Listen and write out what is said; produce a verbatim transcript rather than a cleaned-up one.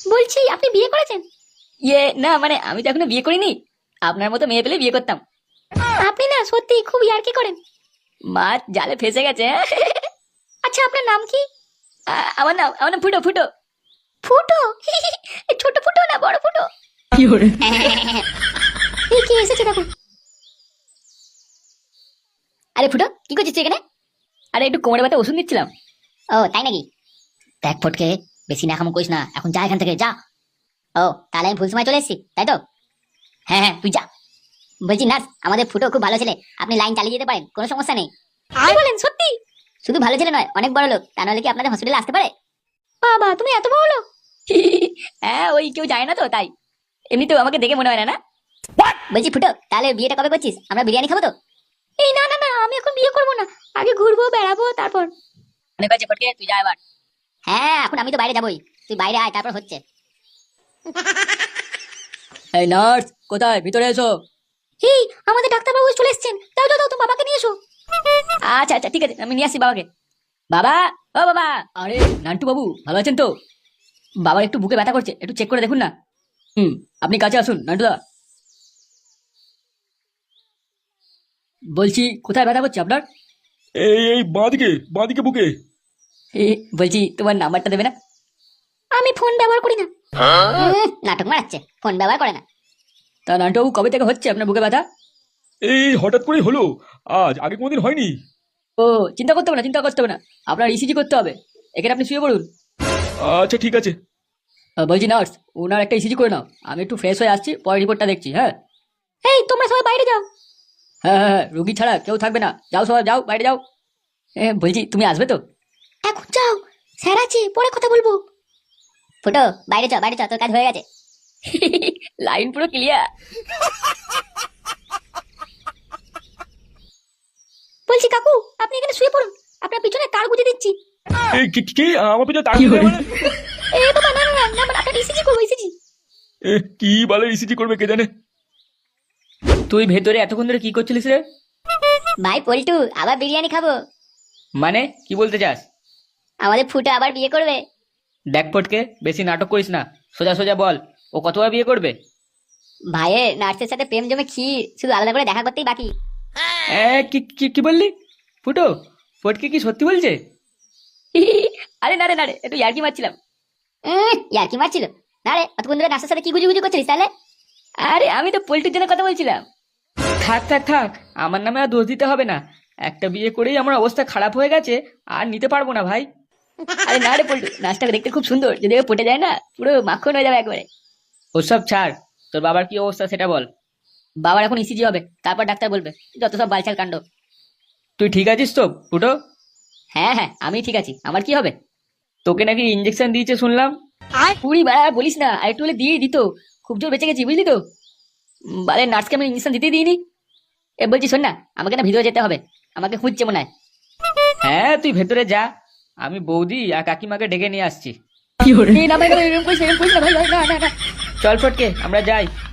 বলছি আপনি বিয়ে করেছেন? ইয়ে না, মানে আমি তো এখনো বিয়ে করিনি। আপনার মতো মেয়ে পেলে বিয়ে করতাম। আপনি না সত্যি খুব ইয়ার্কি করেন। মাছ জালে ফেসে গেছে। আচ্ছা আপনার নাম কি? আ- আমার নাম আমার নাম ফুটো ফুটো ফুটো। এই ছোট ফুটো না বড় ফুটো? কি hore এই কি এসেছে দেখো। আরে ফুটো কি করছিস তুই এখানে? আরে একটু কোমরে ব্যথা ওষুধ নিচ্ছিলাম। ও তাই নাকি? দেখ ফটকে, বেশি নাকামো করিস না, এখন যা এখান থেকে যা। ও তাহলে আমি ভুল সময় চলে এসেছি তাই তো? হ্যাঁ হ্যাঁ তুই যা। বলছি নার্স, আমাদের ফুটো খুব ভালো ছেলে, আপনি লাইন চালিয়ে যেতে পারেন, কোনো সমস্যা নেই। আর বলেন সত্যি? শুধু ভালো ছেলে নয়, অনেক বড় লোক, তা নাহলে কি আপনাদের হসপিটালে আসতে পারে? বাবা তুমি এত বড় লোক? হ্যাঁ ওই কেউ যায় না তো তাই। এমনি তো আমাকে দেখে মনে হয় না না। বলছি ফুটো, তাহলে বিয়েটা কবে করছিস? আমরা বিরিয়ানি খাবো তো? এই না না না, আমি এখন বিয়ে করবো না, আগে ঘুরবো বেড়াবো তারপর। অনেক হয়েছে ফটকে, তুই যা এবার। হ্যাঁ এখন আমি তো বাইরে যাবোই, তুই বাইরে আয় তারপর হচ্ছে। এই নার্স কোথায়, ভিতরে এসো। এই আমাদের ডাক্তারবাবু চলে এসেছেন, যাও যাও যাও, তুমি বাবাকে নিয়ে এসো। আচ্ছা আচ্ছা ঠিক আছে, আমি নিয়ে আসছি বাবাকে। বাবা, ও বাবা। আরে নান্টু বাবু ভালো আছেন তো? বাবার একটু বুকে ব্যথা করছে, একটু চেক করে দেখুন না। হুম, আপনি কাছে আসুন নান্টুদা। বলছি কোথায় ব্যথা করছে আপনার? এই এই বাঁদিকে বাঁদিকে বুকে। এ, বলছি তোমার নাম্বারটা দেবে না? আমি ফোন ব্যবহার করি না। উম, নাটক মারাচ্ছে, ফোন ব্যবহার করে না। তা নান্টু বাবু কবে থেকে হচ্ছে আপনার বুকে ব্যথা? এই হঠাৎ করেই হলো, আজ আগে কোনোদিন হয়নি। ও চিন্তা করতে হবে না, চিন্তা করতে হবে না, আপনার ইসিজি করতে হবে। এখানে আপনি শুয়ে পড়ুন। আচ্ছা ঠিক আছে। আহ, বলছি নার্স, ওনার একটা ইসিজি করে নাও, আমি একটু ফ্রেশ হয়ে আসছি, পরে রিপোর্টটা দেখছি। হ্যাঁ এই তোমরা সবাই বাইরে যাও। হ্যাঁ হ্যাঁ হ্যাঁ, রুগী ছাড়া কেউ থাকবে না, যাও সবাই যাও, বাইরে যাও। এ, বলছি তুমি আসবে তো? এখন যাও, স্যার আছে, পরে কথা বলবো। ফুটো বাইরে যাও, বাইরে যাও, তোর কাজ হয়ে গেছে। লাইন পুরো ক্লিয়ার। বলছি কাকু, আপনি এখানে শুয়ে পড়ুন, আপনার পিছনে তার গুঁজে দিচ্ছি। এই কি কি কি? আমার পিছনে তার কি দিলে হলো? মানে? এ বাবা না না না না, মানে আপনার ইসিজি করবো, ইসিজি। এ, কি বলে ইসিজি করবে কে জানে। তুই ভেতরে এতক্ষণ ধরে কি করছিলিস রে? ভাই পল্টু, আবার বিরিয়ানি খাবো। মানে কি বলতে চাস? আমাদের ফুটো আবার বিয়ে করবে। দেখ ফটকে, বেশি নাটক করিস না, সোজা সোজা বল, ও কতবার বিয়ে করবে? ভাইয়ের নার্সের সাথে প্রেম জমে ক্ষীর, শুধু আলাদা করে দেখা করতেই বাকি। এ, কি কি কি বললি? ফুটো, ফটকে কি সত্যি বলছে? আরে না রে না রে, একটু ইয়ার্কি মারছিলাম। উম, ইয়ার্কি মারছিল? না রে, অতক্ষণ ধরে নার্সের সাথে কি গুজু গুজু করছিলিস তাহলে? আরে আমি তো পল্টুর জন্য কথা বলছিলাম। থাক থাক থাক, আমার নামে আর দোষ দিতে হবে না। একটা বিয়ে করেই আমার অবস্থা খারাপ হয়ে গেছে, আর নিতে পারবো না ভাই। আরে না রে পল্টু, নাচটা দেখতে খুব সুন্দর, যদি ও পটে যায় না পুরো মাখন হয়ে যাবে একবারে। ওসব ছাড়, তোর বাবার কি অবস্থা সেটা বল। বাবার এখন ইসিজি হবে, তারপর ডাক্তার বলবে, যত সব বালছাল কাণ্ড। তুই ঠিক আছিস তো ফুটো? হ্যাঁ হ্যাঁ আমি ঠিক আছি, আমার কি হবে? তোকে নাকি ইঞ্জেকশন দিয়েছে শুনলাম। আর পুরি বাড়া বলিস না, আর একটু হলে দিয়ে দিত, খুব জোর বেঁচে গেছি বুঝলি তো। উম, বারে নার্সকে আমি ইঞ্জেকশন দিতে দিইনি। এ বলছি শোন না, আমাকে না ভিতরে যেতে হবে, আমাকে খুঁজছে মনে হয়। হ্যাঁ তুই ভেতরে যা, আমি বৌদি আর কাকিমাকে ডেকে নিয়ে আসছি। এই না ভাই, ভাই, এরকম করিস না, এরকম করিস না ভাই, ভাই, না না না। চল ফটকে আমরা যাই।